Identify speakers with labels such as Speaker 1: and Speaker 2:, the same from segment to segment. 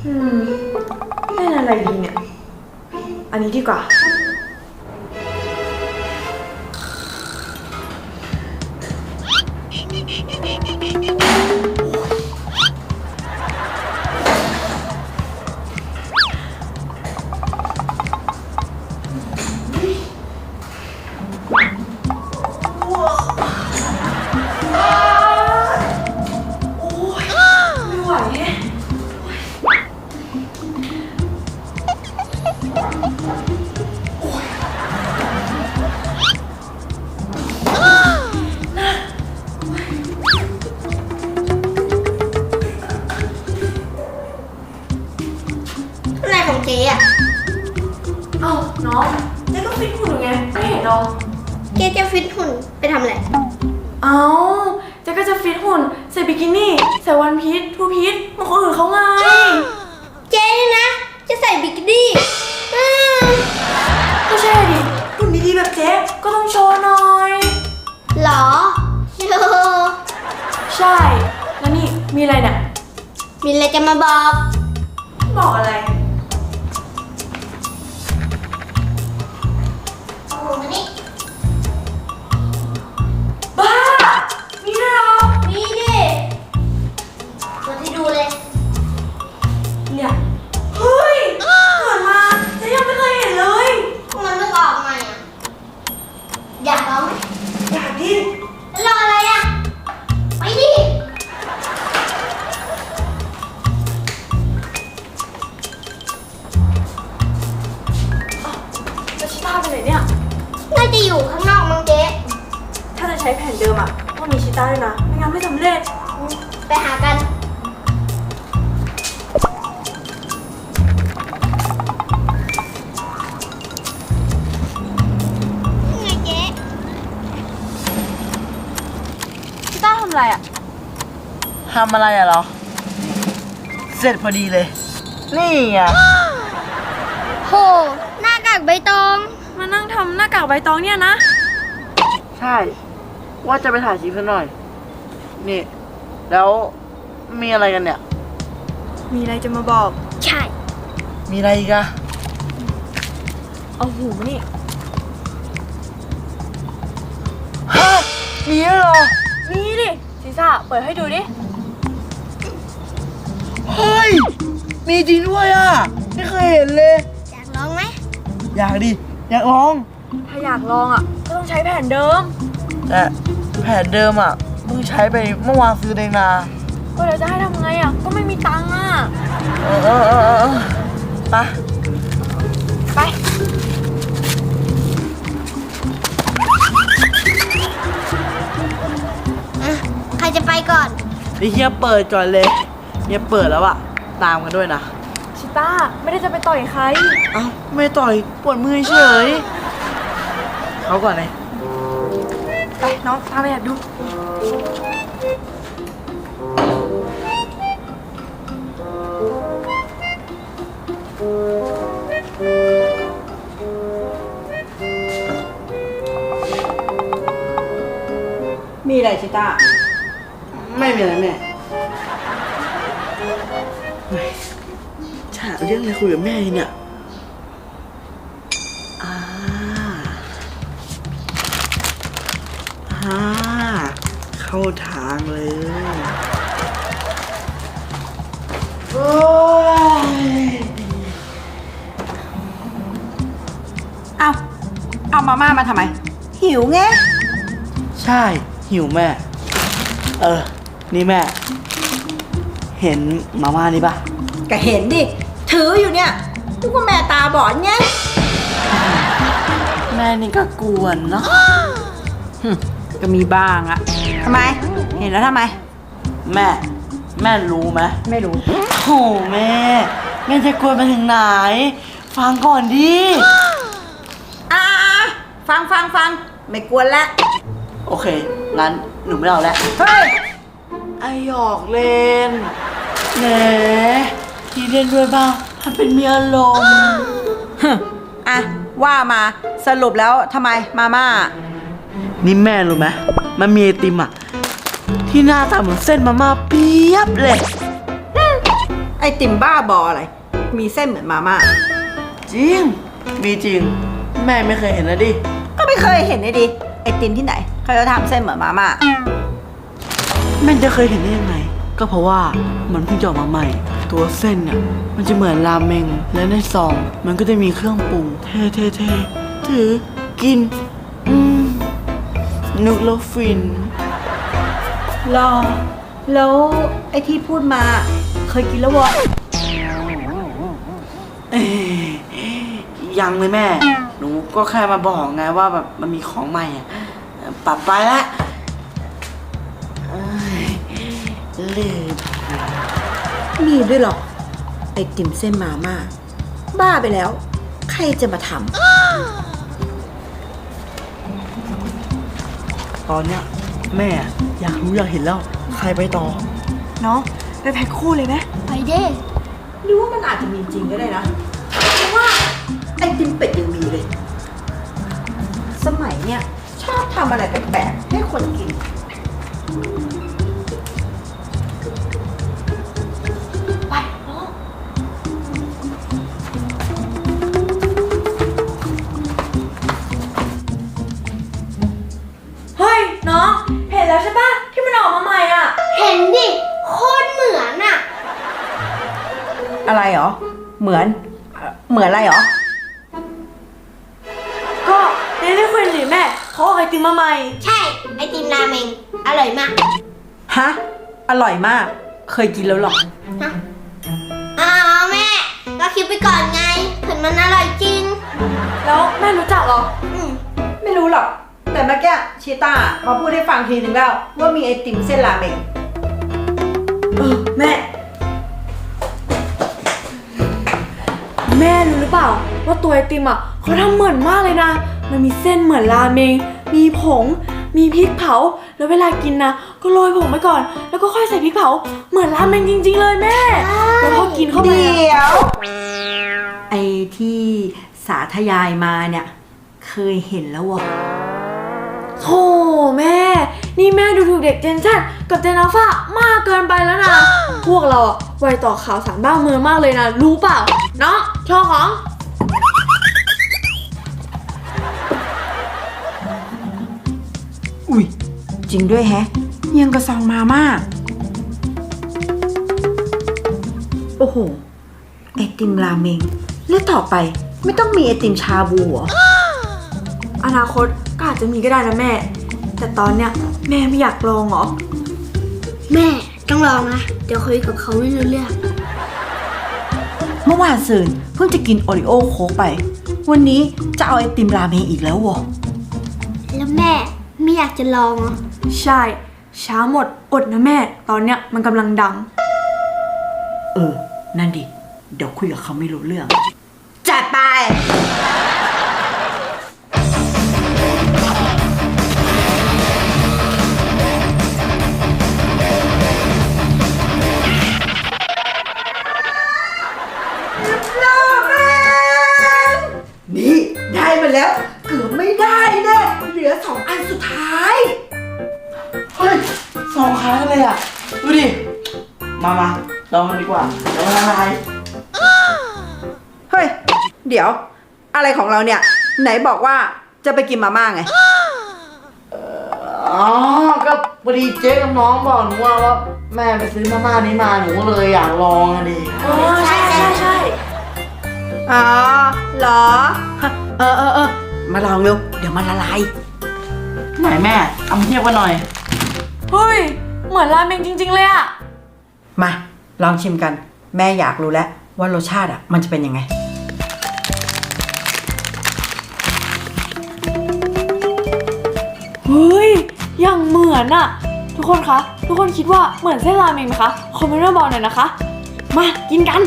Speaker 1: เล่นอะไรดีเนี่ยอันนี้ดีกว่า
Speaker 2: อะไรของเจ๊อะ
Speaker 1: เอ้าน้องเจ๊ก็ฟิตหุ่นอยู่ไงไม่เห็นหรอ
Speaker 2: เจ๊จะฟิตหุ่นไปทำอะไร
Speaker 1: เอ้าเจ๊ก็จะฟิตหุ่นใส่บิกินี่ใส่วันพีชทูพีชเหมือนคนอื่นเขาไง
Speaker 2: เจ๊นี่นะจะใส่บิกินี่
Speaker 1: ก็ใช่ดิหุ่นดีๆแบบเจ๊ก็ต้องโชว์หน่อย
Speaker 2: หรอโชว์
Speaker 1: ใช่แล้วนี่มีอะไรเนี่ย
Speaker 2: มีอะไรจะมาบอก
Speaker 1: อะไร
Speaker 2: โอ้โหมานี่
Speaker 1: บ้ามีด้วยเหรอ
Speaker 2: มีดิมาที่ดูเลย
Speaker 1: เนี่ยเฮ้ยเกิดมาเจ๊ยังไม่เคยเห็นเลย
Speaker 2: มันเพิ่งออกมาอ่ะอยากลองไหม
Speaker 1: อยากดิ
Speaker 2: แล้วรออะไรอ่ะไปดิ
Speaker 1: ชิต้าไปไหนเนี่ย
Speaker 2: น่าจะอยู่ข้างนอกมั้งเจ๊
Speaker 1: ถ้าจะใช้แผ่นเดิมอ่ะต้องมีชิต้าด้วยนะไม่งั้นไม่สำเร็จ
Speaker 2: ไปหากันไงเจ๊
Speaker 1: ชิต้าทำอะไรอ่ะ
Speaker 3: ทำอะไรอะเหรอเสร็จพอดีเลยนี่ไง
Speaker 2: โหหน้ากากใบตอง
Speaker 1: มานั่งทำหน้ากากใบตองเนี่ยนะ
Speaker 3: ใช่ว่าจะไปถ่ายคลิปซะหน่อยนี่แล้วมีอะไรกันเนี่ย
Speaker 1: มีอะไรจะมาบอก
Speaker 2: ใช่
Speaker 3: มีอะไรอีกอะ
Speaker 1: เอาหูนี่
Speaker 3: ฮะมีแล้วเหรอ
Speaker 1: มีดิซีซ่าเปิดให้ดูดิ
Speaker 3: เฮ้ยมีจริงด้วยอะไม่เคยเห็นเลย
Speaker 2: อยากลองไหม
Speaker 3: อยากดิอยากลอง
Speaker 1: ถ้าอยากลองอ่ะก็ต้องใช้แผ่นเดิม
Speaker 3: แต่แผ่นเดิมอ่ะเพิ่งใช้ไปเมื่อวานซื้อเองนะ
Speaker 1: ก็เดี๋ยวจะให้ทำไงอ่ะก็ไม่มีตังค์อ่ะ
Speaker 3: ไป
Speaker 2: ใครจะไปก่อน
Speaker 3: เฮียเปิดก่อนเลยเฮียเปิดแล้วอะตามกันด้วยนะ
Speaker 1: ชิต้าไม่ได้จะไปต่อยใคร
Speaker 3: เอ้าไม่ต่อยปวดมือเฉยเขาก่อนเลย
Speaker 1: ไปน้องพาไปอยากดูมีอะไรชิต้า
Speaker 3: ไม่มีอะไรแม่ฉาเรื่องอะไรคุยกับแม่เนี่ยเข้าทางเลยโอ้ย
Speaker 1: เอามาม่ามาทำไมหิวไง
Speaker 3: ใช่หิวแม่นี่แม่เห็นมาม่านี่ปะ
Speaker 1: ก็เห็นดิถืออยู่เนี่ยทุกคนแม่ตาบอดไง
Speaker 3: แม่นี่ก็กวนเนาะ
Speaker 1: ก็มีบ้างอะทำไมเห็นแล้วทำไม
Speaker 3: แม่รู้ไหม
Speaker 1: ไม่รู้
Speaker 3: โอ้แม่จะกวนไปถึงไหนฟังก่อนดิ
Speaker 1: ฟังไม่กวนแล้ว
Speaker 3: โอเคงั้นหนูไม่เอาแล้ว
Speaker 1: เฮ้ย
Speaker 3: ไอหยอกเล่นแหมที่เล่นด้วยบ้างทำเป็นมีอารมณ์
Speaker 1: ว่ามาสรุปแล้วทำไมมาม่า
Speaker 3: นี่แม่รู้ไหมมันมีไอติมที่หน้าตาเหมือนเส้นมาม่าเปียบเลย
Speaker 1: ไอ
Speaker 4: ติมบ้าบออะไร มีเส้นเหมือนมาม่า
Speaker 3: จริง มีจริง แม่ไม่เคยเห็นนะดิ
Speaker 4: ก็ไม่เคยเห็นเลยดิไอติมที่ไหนเขาจะทำเส้นเหมือนมาม่า
Speaker 3: แม่จะเคยเห็นได้ยังไง ก็เพราะว่ามันเพิ่งจะออกมาใหม่ ตัวเส้นเนี่ยมันจะเหมือนราเมง และในซองมันก็จะมีเครื่องปรุง เท่เท่เท่ถือกิน นึกแล้วฟิน
Speaker 4: รอ แล้วไอที่พูดมา เคยกินแล้ววะ
Speaker 3: เอ้ยยังเลยแม่ หนูก็แค่มาบอกไงว่าแบบมันมีของใหม่อะปรับไปละเอ้ยลืม
Speaker 4: มีด้วยเหรอ ไอติมเส้นมาม่าบ้าไปแล้ว ใครจะมาท
Speaker 3: ตอนเนี้ยแม่อยากรู้อยากเห็นแล้ว ใครไปต่อ
Speaker 1: น้องไปแพ็คคู่เลยไหม
Speaker 2: ไปเด้
Speaker 4: ำหรือว่ามันอาจจะมีจริงก็ได้นะ เพราะว่าไอติมเป็ดยังมีเลย สมัยเนี้ยชอบทำอะไรแปลกๆให้คนกิน
Speaker 1: ไปน้องเฮ้ยน้องเห็นแล้วใช่ปะที่มันออกมาใหม่อ่ะ
Speaker 2: เห็นดิ โคตรเหมือนอ่ะ
Speaker 4: อะไรเหรอ เหมือนอะไรเหรอ
Speaker 1: ก็เดลิเควนี่แม่เขาเอาไอติมมาใหม่
Speaker 2: ใช่ ไอติมราเมง อร่อยมาก
Speaker 4: ฮะ อร่อยมาก เคยกินแล้วหรอ
Speaker 2: ฮะอ้าวแม่ก็คิดไปก่อนไงถึงมันอร่อยจริง
Speaker 1: แล้วแม่รู้จักเหรอ
Speaker 4: ไม่รู้หรอก แต่เมื่อกี้ชีต้ามาพูดให้ฟังทีนึงแล้ว ว่ามีไอติมเส้นราเมง
Speaker 1: แม่รู้หรือเปล่าว่าตัวไอติมอ่ะเขาทำเหมือนมากเลยนะ มันมีเส้นเหมือนราเมง มีผง มีพริกเผา แล้วเวลากินนะก็โรยผงไปก่อน แล้วก็ค่อยใส่พริกเผา เหมือนราเมงจริงๆเลยแม่ แล้วพอกินเข้าไป
Speaker 4: เดี๋
Speaker 1: อะ
Speaker 4: ยว ไอที่สาธยายมาเนี่ย เคยเห็นแล้ววะ
Speaker 1: โธ่แม่ นี่แม่ดูถูกเด็กเจนชั่นกับเจนอัลฟามากเกินไปแล้วนะ พวกเราอะไวต่อข่าวสารบ้านเมืองมากเลยนะ รู้เปล่าเนาะโชว์ของ
Speaker 4: อุ้ยจริงด้วยแฮะยังกระซองมาม่าโอ้โห ไอติมราเมง แล้วต่อไปไม่ต้องมีไอติมชาบูเหรอ
Speaker 1: อนาคตก็อาจจะมีก็ได้นะแม่ แต่ตอนเนี้ยแม่ไม่อยากลองเหรอ
Speaker 2: แม่ต้องลองนะ เดี๋ยวคุยกับเขาไม่รู้เรื่อง
Speaker 4: เมื่อวานซืนเพิ่งจะกินโอริโอโค้กไป วันนี้จะเอาไอติมราเมงอีกแล้ววะ
Speaker 2: แล้วแม่ไม่อยากจะลองเหรอ
Speaker 1: ใช่ ช้าหมดอดนะแม่ ตอนเนี้ยมันกำลังดัง
Speaker 4: นั่นดิ เดี๋ยวคุยกับเขาไม่รู้เรื่อง จัดไป นี่ ได้มาแล้ว เกือบไม่ได้แน่เหลือ2 อันสุดท้าย
Speaker 3: เฮ้ยสองค้างเลยอ่ะ ดูดิ มาลองกันดีกว่าเดี๋ยวละลาย
Speaker 4: เฮ้ย เดี๋ยว อะไรของเราเนี่ย ไหนบอกว่าจะไปกินมาม่าไง
Speaker 3: อ๋อ ก็พอดีเจ๊กับน้องบอกหนูว่าแม่ไปซื้อมาม่านี้มาหนูก็เลยอยากลองอะดิ
Speaker 1: อ๋อ ใช่
Speaker 4: อ๋อเหรอ เออ มาลองเร็ว เดี๋ยวมันละลาย
Speaker 3: ไหนแม่ เอามาเทียบกันหน่อย
Speaker 1: เฮ้ย เหมือนราเมงจริงๆเลยอะ
Speaker 4: มา ลองชิมกัน แม่อยากรู้แล้วว่ารสชาติมันจะเป็นยังไง
Speaker 1: เฮ้ย อย่างเหมือนอะทุกคนคะ ทุกคนคิดว่าเหมือนเส้นราเมงไหมคะ คอมเมนต์มาบอกหน่อยนะคะ มากินกัน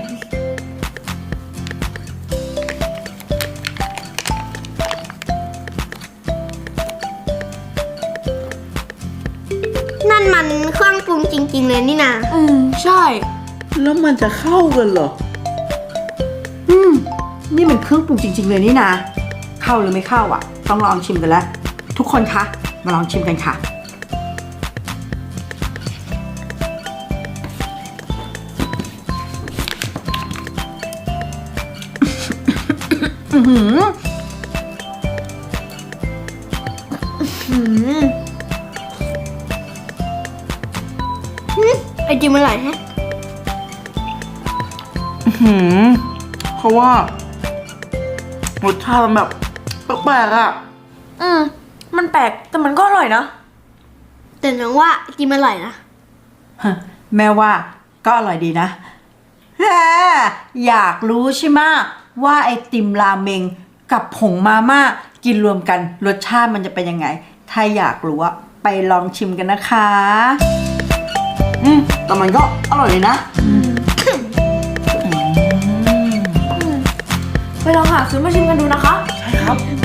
Speaker 2: นั่นมันเครื่องปรุงจริง ๆ เลยนี่นา
Speaker 1: ใช่
Speaker 3: แล้วมันจะเข้ากันเหรอ
Speaker 4: นี่มันเครื่องปรุงจริง ๆ เลยนี่นะ เข้าหรือไม่เข้าอ่ะ ต้องลองชิมกันแล้ว ทุกคนคะ มาลองชิมกันค่ะ
Speaker 2: อ
Speaker 4: อื้อหือ
Speaker 2: ไอติมอร่อยแฮะ
Speaker 3: เพราะว่ารสชาติมันแบบแปลกๆอ่ะ
Speaker 1: มันแปลกแต่มันก็อร่อยนะ
Speaker 2: แต่น้องว่าไอติมอร่อยนะ
Speaker 4: ฮะแม่ว่าก็อร่อยดีนะแหมอยากรู้ใช่ไหมว่าไอติมราเมงกับผงมาม่ากินรวมกันรสชาติมันจะเป็นยังไง ถ้าอยากรู้อะไปลองชิมกันนะคะ
Speaker 3: แต่มันก็อร่อยเลยนะ
Speaker 1: ไปลองหาซื้อมาชิมกันดูนะคะ
Speaker 3: ใช่ครับ